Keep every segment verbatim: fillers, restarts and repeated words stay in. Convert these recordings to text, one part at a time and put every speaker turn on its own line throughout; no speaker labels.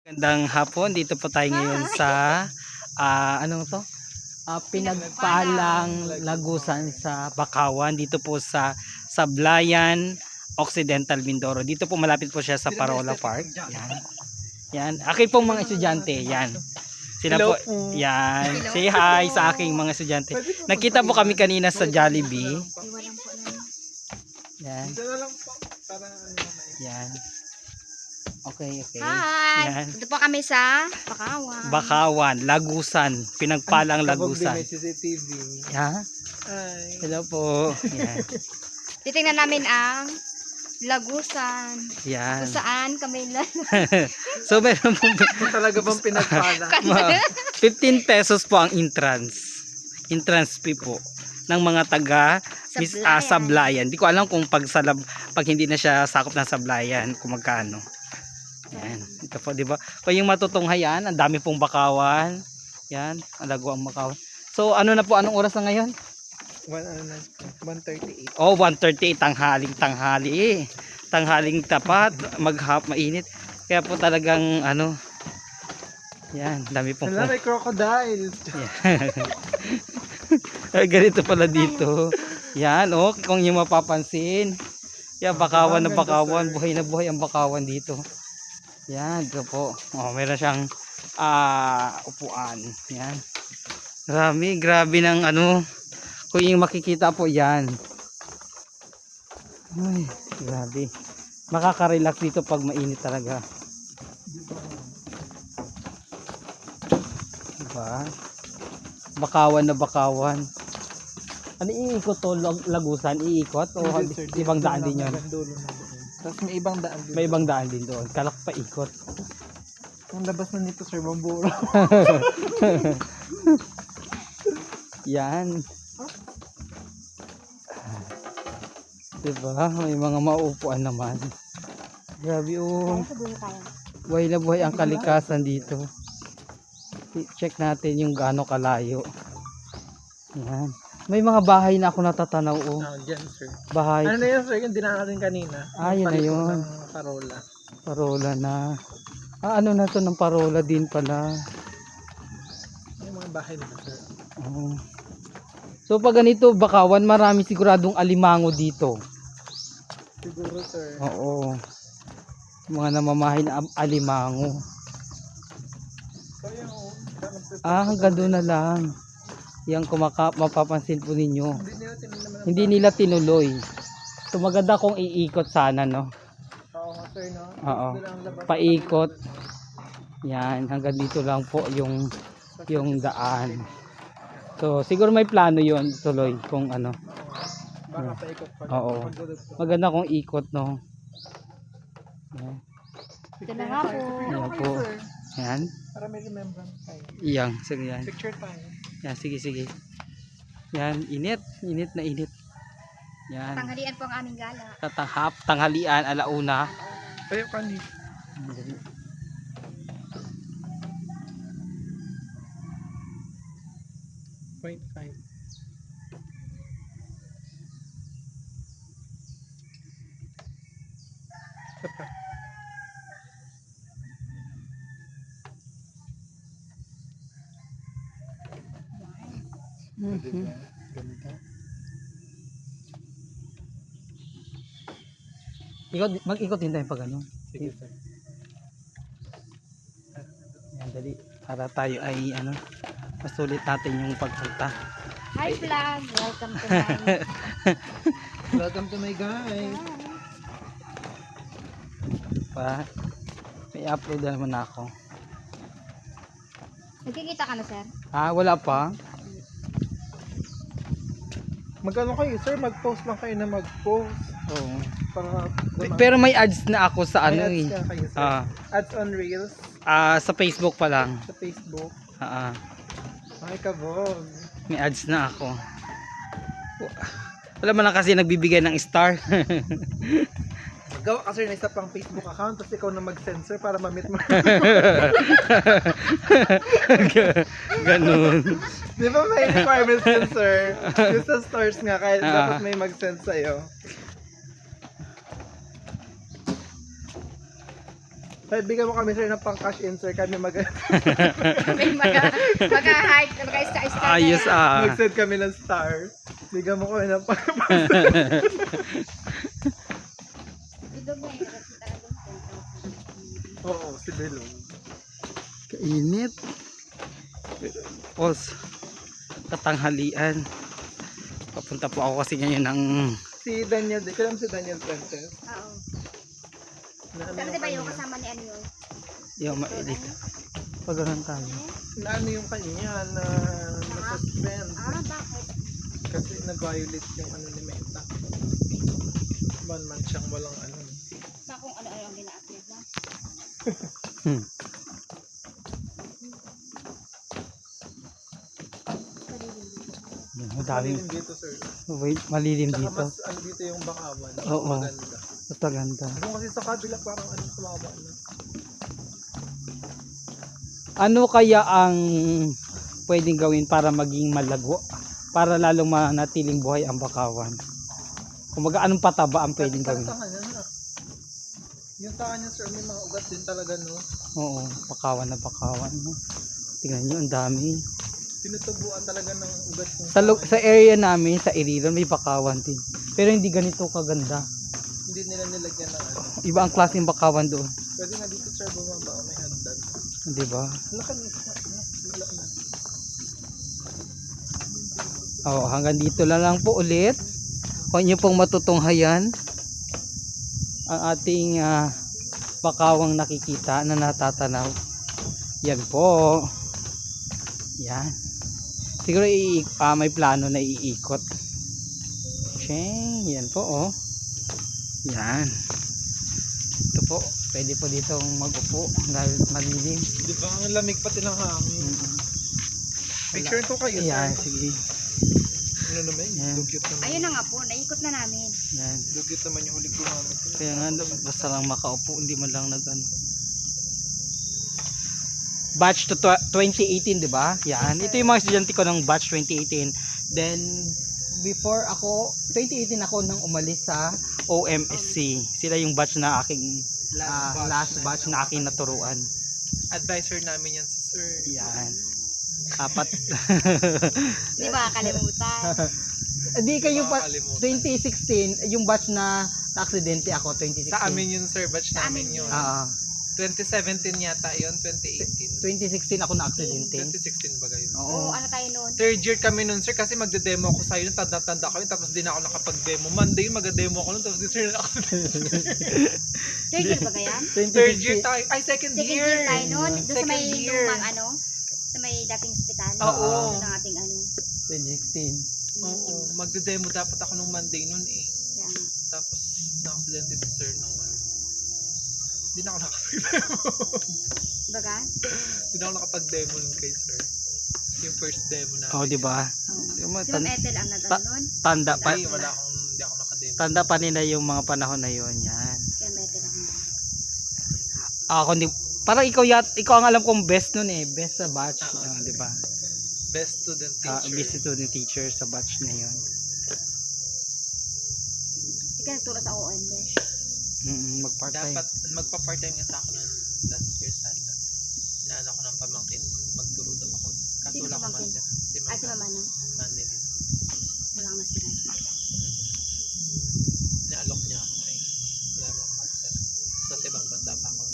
Magandang hapon, dito po tayo ngayon sa ah, ano to? Ah, Pinagpalang Lagusan sa Bakawan, dito po sa Sablayan Occidental Mindoro. Dito po malapit po siya sa Parola Park. Yan. Yan. Akin pong mga estudyante, yan. Sila po, yan. Say hi sa aking mga estudyante. Nakita po kami kanina sa Jollibee. Yan. Yan. Okay, okay.
Hi!
Yan.
Dito po kami sa Bakawan.
Bakawan, Lagusan, Pinagpalang Lagusan.
May C C T V.
Yeah.
Ay.
Hello po. Yan.
Titingnan namin ang Lagusan.
Yan.
Kung saan kami lang.
So meron po
Kung talaga bang pinagpala.
ma- fifteen pesos po ang entrance. Entrance fee po ng mga taga Miss ah, Sablayan. Di ko alam kung pag salab, pag hindi na siya sakop ng Sablayan kung magkano. Yan. Ito po, di ba? Kung yung matutunghayan, ang dami pong bakawan. Yan, ang lago ang bakawan. So ano na po, anong oras na ngayon?
one thirty-eight.
Oh, one thirty, tanghaling tanghali. Tanghaling tapat, maghap, mainit. Kaya po talagang ano, yan, dami pong
Wala, may crocodile.
Ay, ganito pala dito. Yan, oh, kung yung mapapansin. Yan, bakawan na bakawan, buhay na buhay ang bakawan dito. Yan, ito po. Oh, meron siyang ah, upuan. Yan. Grabe, grabe ng ano. Kung yung makikita po yan. Ay, grabe. Makaka-relax dito pag mainit talaga. Diba? Bakawan na bakawan. Ano iikot to? Lag- Lagusan? Iikot? O
Hindi, sir,
ibang
dito
daan
lang,
din yun?
hanggang dulo na doon. Tapos may ibang daan din.
May ibang daan din doon. Kalak pa ikot.
Ang labas na nito, sir, bamburo.
Yan. Diba? May mga mauupuan naman. Grabe oh. Buhay na buhay ang kalikasan dito. I-check natin yung gaano kalayo. Yan. May mga bahay na ako natatanaw oh.
Ah, dyan, sir.
Bahay.
Ano na yun, sir? Yung dinaan natin kanina.
Ah, yun na
Paliko
yun.
ng Parola.
Parola na. Ah, ano na to ng parola din pala.
Yung mga bahay nito, sir.
Oo. So pag ganito bakawan, marami siguradong alimango dito.
Siguro, sir.
Oo. Mga namamahay na am- alimango.
Kaya, oh.
Ah, hanggang doon na lang. Yang kumaka mapapansin po ninyo.
Hindi nila tinignan naman.
Hindi nila tinuloy. So maganda kung iikot sana, no?
Oo, sir, no?
Oo.
Doon ang labas.
Paikot. Yan, hanggang dito lang po yung yung daan. So siguro may plano 'yon tuloy kung ano.
Baka paikot pa.
Oo. Maganda kung ikot, no. Yan.
Ito na nga po.
Yan po. Yan.
Para may remembrance tayo.
Iyang, sige yan.
Picture tayo.
Yan, sige, sige. Yan, init. Init na init. Yan.
Tanghalian po ang aming gala.
Tatahap, tanghalian, alauna.
Tayo ka ni. Point five. Isa pa.
Mhm.
Ganda.
Ikot, mag-ikot din tayo pag ano.
Sige, sir.
Yan, dali. Para tayo ay ano, masulit natin yung pagpunta.
Hi vlog! Welcome to my...
Welcome to my guys.
Pa, may upload na naman ako.
Nagkikita ka na, sir?
Ah, wala pa.
Magkano kayo, sir? Mag-post lang kayo na mag-post.
Oo.
Para
Pero may ads na ako sa ano
may
eh.
ads ka kayo, sir.
Ah,
Ads on Reels
ah, sa Facebook pa lang.
sa Facebook.
Ah, ah.
Ay, kabog.
May ads na ako. Wala man lang kasi nagbibigay ng star.
Gawa ka, sir, na isa pang Facebook account tapos ikaw na mag-censor para ma-meet mo.
Ganun.
Di ba may requirements yun, sir? Yung sa stores nga, kaya
Ah.
dapat may mag-send sa'yo. Sir, bigyan mo kami sir ng pang cash in sir. Kami mag
May mga, mag-hike, mag-star-star.
Ayos ah.
mag-send kami ng star. Bigyan mo kami ng pang
Ito ba yung kasi talagang
Oo, si Belong.
Kainit. Pos. Katanghalian. Papunta po ako kasi ngayon ng
Si Daniel, di ko alam si Daniel Fuentes.
Oo.
Na ano
Pero
yung
diba yung
kanya?
kasama ni ano yun?
yung mailit. Pag ganun tayo.
Na ano yung kanya na na-suspend.
Ah, bakit?
Kasi nag-violate yung ano ni Meta. One month siyang walang ano.
Sa kung ano-ano ang gina-upload na.
Hmm. Madaming
Malilim dito sir.
wait, malilim
Tsaka
dito.
mas ano dito yung bakawan.
Oo.
Maganda.
Mas maganda.
Yung kasi sa kabila parang ano sumaba na.
Ano kaya ang pwedeng gawin para maging malago? Para lalong manatiling buhay ang bakawan? Kumaga anong pataba ang pwedeng
Kasi
gawin?
sa kanya na. Yung sa kanya sir may mga ugat din talaga no.
Oo, bakawan na bakawan. No? Tingnan nyo, ang dami.
Tinutubuan talaga ng ugat yung
Sa, lo- sa area namin, sa Iriran, may bakawan din. Pero hindi ganito kaganda.
Hindi nila nilagyan ng ano.
Iba ang klaseng bakawan doon.
Pwede nga dito sir bumaba may hagdan.
Di ba?
Laka na. Wala na.
Oh, hanggang dito na lang po ulit. Kung inyo pong matutunghayan ang ating ah, bakawang nakikita na natatanaw. Yan po. Yan. Siguro i ah, may plano na iikot. Cheng, yan po oh. Yan. Ito po, pwede po ditong mag-upo dahil malilim.
Di ba ang lamig pati ng hangin.
Mm.
Picture ko kayo
Yan,
sir.
sige.
Ano naman
Yan.
yun? Dugyot naman.
Ayun na nga po, naikot na namin.
Yan.
Dugyot naman yung huling gumamit.
Kaya nga, basta lang makaupo, hindi man lang nag ano. Batch to tw- twenty eighteen, di ba? Yan. Ito yung mga estudyante ko ng batch twenty eighteen. Then, before ako, twenty eighteen ako nang umalis sa O M S C. Sila yung batch na aking, ah, last batch na aking naturuan.
Advisor namin yan si sir.
Yan. Apat.
Di ba kalimutan?
Hindi kayo pa,
Makakalimutan.
twenty sixteen, yung batch na na-aksidente ako, twenty sixteen.
Sa amin yun sir, batch
Sa
namin
amin
yun.
Ah,
twenty seventeen yata yun, twenty eighteen.
twenty sixteen ako na-aksidente.
twenty sixteen ba kayo?
Oo.
Oo, ano tayo noon?
Third year kami nun sir kasi magde-demo ako sa yun, tanda-tanda ko yun, tapos di na ako nakapag-demo. Monday mag-demo ako nun, tapos di sir na ako.
Third year ba yan?
Third year tayo, ay second,
Second
year.
year tayo noon. Doon sa
Second
may
year.
lumang ano, sa may dating ospital.
Oo.
Doon ang ating ano.
twenty sixteen.
Oo, magde-demo dapat ako nung Monday nun eh.
Kaya nga.
Tapos na-aksidente si sir nung ano. Hindi na ako nakapag-demo.
Baga?
Hindi na ako nakapag-demo nun kay sir. Yung first demo na.
Oh, di ba?
Oo.
Yung mga
Si Ma'am
tan-
Ethel ang nag
ta-
noon.
tanda pa
Ay, wala akong, hindi ako nakademo.
tanda pa nila yung mga panahon na yon. Yan.
Kaya Ma'am Ethel ang
Ako hindi parang ikaw yat ikaw ang alam kong best noon eh, best sa batch,
Oo.
ah, di ba?
Best student
Ah,
teacher.
best student teacher sa batch na yon.
Ikaw nagturo sa O M Besh.
Mm, mag-part-time.
Dapat magpa-part-time nga sa ako ng last year sana. Inaano ko ng pamangkin ko. Magturo daw ako. Kaso
Sino
wala akong
pamangkin?
master. Si
Ah, si
Mama.
Mama no?
Manilin.
Wala kang masira.
Inaalok niya ako eh. Wala akong master. Sa ibang bansa pa ako.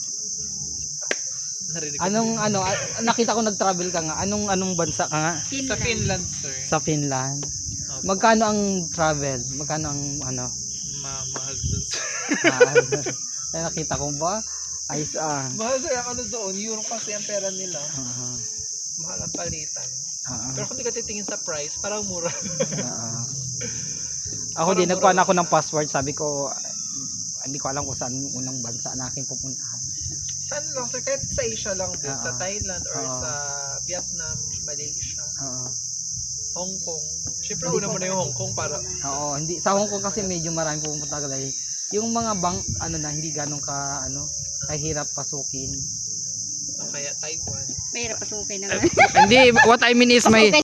Narinig ko
Anong
din.
ano, ah, nakita ko nag-travel ka nga. Anong anong bansa ka nga?
Sa Finland, sir.
Sa Finland.
Opo.
Magkano ang travel? Magkano ang ano?
Ma mahal dun, sir.
Ah, ay, nakita ko ba? Ayos ah.
Mahal, sir. Ang ano doon, euro kasi ang pera nila.
Ah,
Mahal ang palitan.
ah,
Pero kung di ka titingin sa price, parang mura.
ah. Ako din, nagkuhan ako ng password. Sabi ko, ah, hindi ko alam kung saan yung unang bansa na aking pupuntahan.
Saan lang, sir? Kahit sa Asia lang din. Sa
Oo.
Thailand or
Oo.
sa Vietnam, Malaysia,
Oo.
Hong Kong. Siyempre, una mo na yung Hong Kong para...
Oo, hindi sa Hong Kong kasi medyo marami pupunta dahil yung mga bang ano na hindi ganun ka ano, kahirap pasukin.
o kaya Taiwan.
Mahirap pasukin naman.
Hindi, what I mean is may